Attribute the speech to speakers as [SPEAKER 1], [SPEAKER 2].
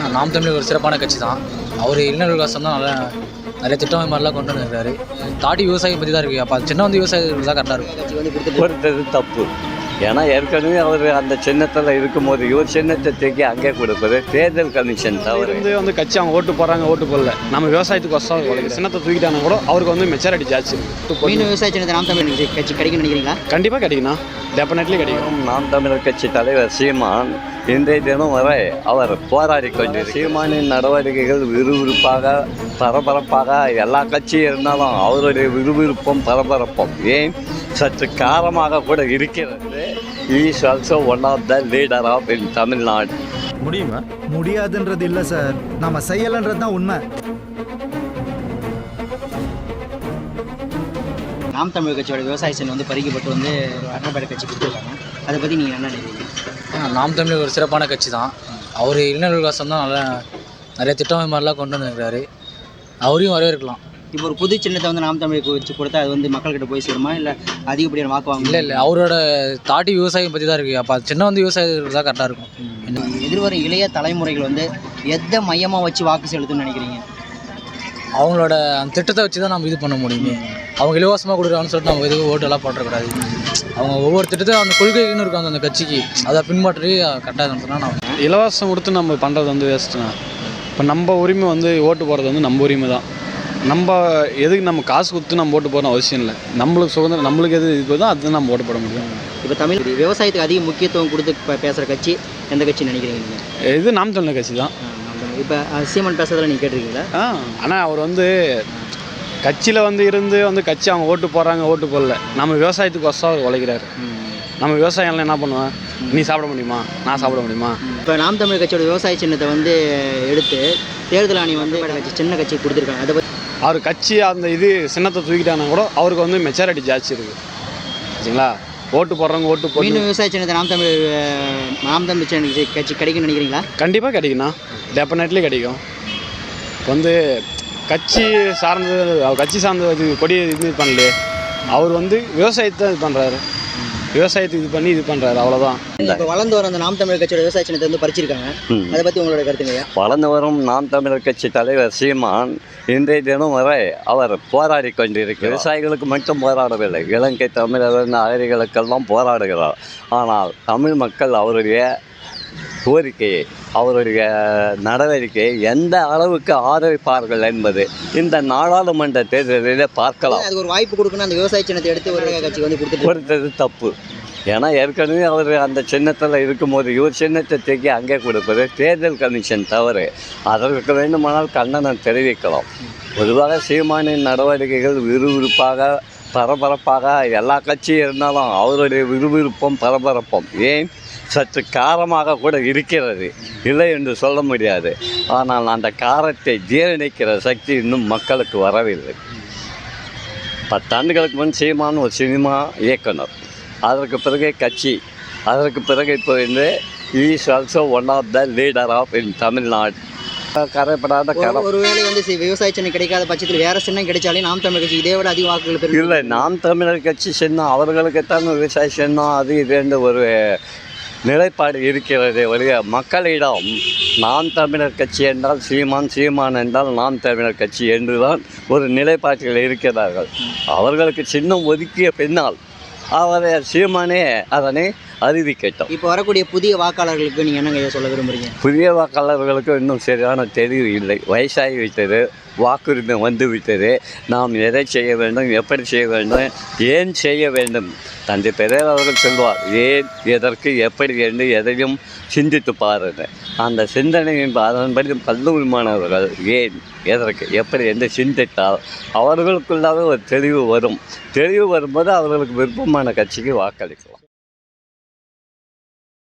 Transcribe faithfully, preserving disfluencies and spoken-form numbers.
[SPEAKER 1] நாம் தமிழர் ஒரு சிறப்பான கட்சி தான். அவர் இளைஞர் விகாசம் தான் நல்லா நிறைய திட்டம் மாதிரிலாம் கொண்டு வந்துருக்காரு. தாடி விவசாயம் பற்றி தான் இருக்குது. அப்போ சின்ன வந்து விவசாயிகள் தான் கரெக்டாக இருக்கும்.
[SPEAKER 2] கட்சி வந்து கொடுத்து
[SPEAKER 3] கொடுத்தது தப்பு. ஏன்னா ஏற்கனவே அவர் அந்த சின்னத்தில் இருக்கும்போது இவர் சின்னத்தை தூக்கி அங்கே கொடுப்பது தேர்தல் கமிஷன் தவறு.
[SPEAKER 4] வந்து வந்து கட்சி அவங்க ஓட்டு போடுறாங்க, ஓட்டு போடல, நம்ம விவசாயத்துக்கு வசம் சின்னத்தை தூக்கிட்டாங்க கூட அவருக்கு வந்து மெச்சாரிட்டி ஜாஸ்தி.
[SPEAKER 2] மீன் விவசாய சின்னத்தை நாம் தமிழர் கட்சி கிடைக்கும்னு நினைக்கிறீங்களா?
[SPEAKER 4] கண்டிப்பாக கிடைக்கணும், டெஃபினெட்லி கிடைக்கும்.
[SPEAKER 3] நாம் தமிழர் கட்சி தலைவர் சீமான் இன்றைய தினம் வரை அவர் போராடி கொண்டு சீமானின் நடவடிக்கைகள் விறுவிறுப்பாக பரபரப்பாக எல்லா கட்சியும் இருந்தாலும் அவருடைய விறுவிறுப்பும் பரபரப்பும் ஏன் சற்று காரமாக கூட இருக்கிறது. Is also one of the leader of in Tamil Nadu.
[SPEAKER 5] முடியுமா? முடியாதுன்றது இல்லை சார், நம்ம செய்யலைன்றது தான் உண்மை.
[SPEAKER 2] நாம் தமிழர் கட்சியோட விவசாய சின்னம் வந்து பறிக்கப்பட்டு வந்து அண்ணாபேட கட்சி கொடுத்துருக்காங்க. அதை பற்றி நீங்கள் என்ன நினைக்கிறீங்க?
[SPEAKER 1] நாம் தமிழர் ஒரு சிறப்பான கட்சி தான். அவர் இளைஞர் விகாசம் தான் நல்லா நிறைய திட்டம் மாதிரிலாம் கொண்டு வந்துருக்காரு. அவரையும் வரவேற்கலாம்.
[SPEAKER 2] இப்போ ஒரு புது சின்னத்தை வந்து நாம் தமிழுக்கு வச்சு கொடுத்தா அது வந்து மக்கள்கிட்ட போய் சேருமா, இல்லை அதிகப்படியான வாக்கு வாங்க?
[SPEAKER 1] இல்லை இல்லை அவரோட தாடி விவசாயம் பற்றி தான் இருக்குது. அப்போ சின்ன வந்து விவசாயிகள் தான் கரெக்டாக இருக்கும்.
[SPEAKER 2] எதிர்வரும் இளைய தலைமுறைகள் வந்து எதை மையமாக வச்சு வாக்கு செலுத்துன்னு நினைக்கிறீங்க?
[SPEAKER 1] அவங்களோட அந்த திட்டத்தை வச்சு தான் நம்ம இது பண்ண முடியுமே. அவங்க இலவசமாக கொடுக்குறாங்கன்னு சொல்லிட்டு நம்ம எதுவும் ஓட்டெல்லாம் போட்டக்கூடாது. அவங்க ஒவ்வொரு திட்டத்தையும் அந்த கொள்கைன்னு இருக்காங்க அந்த கட்சிக்கு, அதை பின்பற்றி கரெக்டாக சொன்னால் நான்
[SPEAKER 4] இலவசம் கொடுத்து நம்ம பண்ணுறது வந்து வேஸ்ட்டுண்ணா. இப்போ நம்ம உரிமை வந்து ஓட்டு போடுறது வந்து நம்ம உரிமை தான். நம்ம எதுக்கு நம்ம காசு கொடுத்து நம்ம ஓட்டு போடணும் அவசியம் இல்லை. நம்மளுக்கு சுதந்திரம், நம்மளுக்கு எது இது தான் அது நம்ம ஓட்டு போட முடியும்.
[SPEAKER 2] இப்போ தமிழ் விவசாயத்துக்கு அதிக முக்கியத்துவம் கொடுத்து இப்போ பேசுகிற கட்சி எந்த கட்சி நினைக்கிறீங்க நீங்கள்?
[SPEAKER 4] இது நாம் தமிழர் கட்சி தான்.
[SPEAKER 2] இப்போ சீமான் பேசுறதுல நீங்கள் கேட்டிருக்கீங்களா?
[SPEAKER 4] ஆ ஆனால் அவர் வந்து கட்சியில் வந்து இருந்து வந்து கட்சி அவங்க ஓட்டு போடுறாங்க, ஓட்டு போடல, நம்ம விவசாயத்துக்கு வசம் அவர் உழைக்கிறாரு. நம்ம விவசாயம்லாம் என்ன பண்ணுவேன், நீ சாப்பிட முடியுமா, நான் சாப்பிட முடியுமா?
[SPEAKER 2] இப்போ நாம் தமிழர் கட்சியோட விவசாய சின்னத்தை வந்து எடுத்து தேர்தல் ஆணையம் வந்து கட்சி சின்ன கட்சி கொடுத்துருக்காங்க. அதை பற்றி
[SPEAKER 4] அவர் கட்சி அந்த இது சின்னத்தை தூக்கிட்டாங்கன்னா கூட அவருக்கு வந்து மெச்சாரிட்டி ஜாஸ்தி இருக்குது. சரிங்களா? ஓட்டு போடுறவங்க ஓட்டு போட்டு
[SPEAKER 2] மீன் விவசாய சின்னத்தை நாம் தமிழ் நாம் தமிழ் சின்ன கட்சி கிடைக்கும்னு நினைக்கிறீங்களா?
[SPEAKER 4] கண்டிப்பாக கிடைக்குண்ணா, டெஃபினெட்லி கிடைக்கும். இப்போ வந்து கட்சி சார்ந்தது, அவர் கட்சி சார்ந்த இது கொடி இது பண்ணலையே, அவர் வந்து விவசாயத்தை இது பண்ணுறாரு, விவசாயத்துக்கு இது பண்ணி இது பண்ணுறாரு, அவ்வளோதான்.
[SPEAKER 2] இப்போ வளர்ந்து வர அந்த நாம் தமிழர் கட்சியோட விவசாய சின்னத்தை வந்து பறிச்சிருக்காங்க. அதை பற்றி உங்களோட கருத்துங்க?
[SPEAKER 3] வளர்ந்து வரும் நாம் தமிழர் கட்சி தலைவர் சீமான் இன்றைய தினம் வரை அவர் போராடி கொண்டிருக்கிறார். விவசாயிகளுக்கு மட்டும் போராடவில்லை, இலங்கை தமிழர் அகதிகளுக்கெல்லாம் போராடுகிறார். ஆனால் தமிழ் மக்கள் அவருடைய கோரிக்கையை, அவருடைய நடவடிக்கையை எந்த அளவுக்கு ஆதரிப்பார்கள் என்பது இந்த நாடாளுமன்ற தேர்தலில் பார்க்கலாம்.
[SPEAKER 2] அது ஒரு வாய்ப்பு கொடுக்கணும். அந்த விவசாய சின்னத்தை எடுத்து ஒரு கட்சி வந்து கொடுத்து
[SPEAKER 3] கொடுத்தது தப்பு. ஏன்னா ஏற்கனவே அவர் அந்த சின்னத்தில் இருக்கும்போது இவர் சின்னத்தை தூக்கி அங்கே கொடுப்பது தேர்தல் கமிஷன் தவறு. அதற்கு வேண்டுமானால் கண்டனம் தெரிவிக்கலாம். பொதுவாக சீமானின் நடவடிக்கைகள் விறுவிறுப்பாக பரபரப்பாக எல்லா கட்சியும் இருந்தாலும் அவருடைய விறுவிறுப்பும் பரபரப்பும் ஏன் சற்று காரமாக கூட இருக்கிறது, இல்லை என்று சொல்ல முடியாது. ஆனால் அந்த காரத்தை ஜீரணிக்கிற சக்தி இன்னும் மக்களுக்கு வரவில்லை. பத்தாண்டுகளுக்கு முன் சீமான் ஒரு சினிமா இயக்குனர், அதற்கு பிறகு கட்சி, அதற்கு பிறகு இப்போ வந்து is also one of the leader of in Tamil Nadu. கரைப்படாத கரம்.
[SPEAKER 2] ஒருவேளை வந்து விவசாய சின்னம் கிடைக்காத பட்சத்தில் வேறு சின்னம் கிடைச்சாலே நாம் தமிழர் கட்சி இதை விட அதிக வாக்குகள் பெறும்.
[SPEAKER 3] இல்லை, நாம் தமிழர் கட்சி சின்னம் அவர்களுக்குத்தான் விவசாய சின்னம் அது இது ஒரு நிலைப்பாடு இருக்கிறது. வழிய மக்களிடம் நாம் தமிழர் கட்சி என்றால் சீமான், சீமான் என்றால் நாம் தமிழர் கட்சி என்றுதான் ஒரு நிலைப்பாட்டில் இருக்கிறார்கள். அவர்களுக்கு சின்னம் ஒதுக்கிய பின்னால் அவரை சீமானே அதனை அறிவிக்கட்டும்.
[SPEAKER 2] இப்போ வரக்கூடிய புதிய வாக்காளர்களுக்கு நீங்கள் என்னங்க சொல்ல விரும்புகிறீங்க?
[SPEAKER 3] புதிய வாக்காளர்களுக்கு இன்னும் சரியான தெளிவு இல்லை. வயசாகி விட்டது, வாக்குரிமை வந்து விட்டது. நாம் எதை செய்ய வேண்டும், எப்படி செய்ய வேண்டும், ஏன் செய்ய வேண்டும். தந்தை பெரியார் அவர்கள் சொல்வார், ஏன், எதற்கு, எப்படி என்று எதையும் சிந்தித்து பாருங்கள். அந்த சிந்தனையின் அதன்படி கல்லூரி மாணவர்கள் ஏன், எதற்கு, எப்படி என்று சிந்தித்தால் அவர்களுக்குள்ளாக ஒரு தெளிவு வரும். தெளிவு வரும்போது அவர்களுக்கு விருப்பமான கட்சிக்கு வாக்களிக்கலாம்.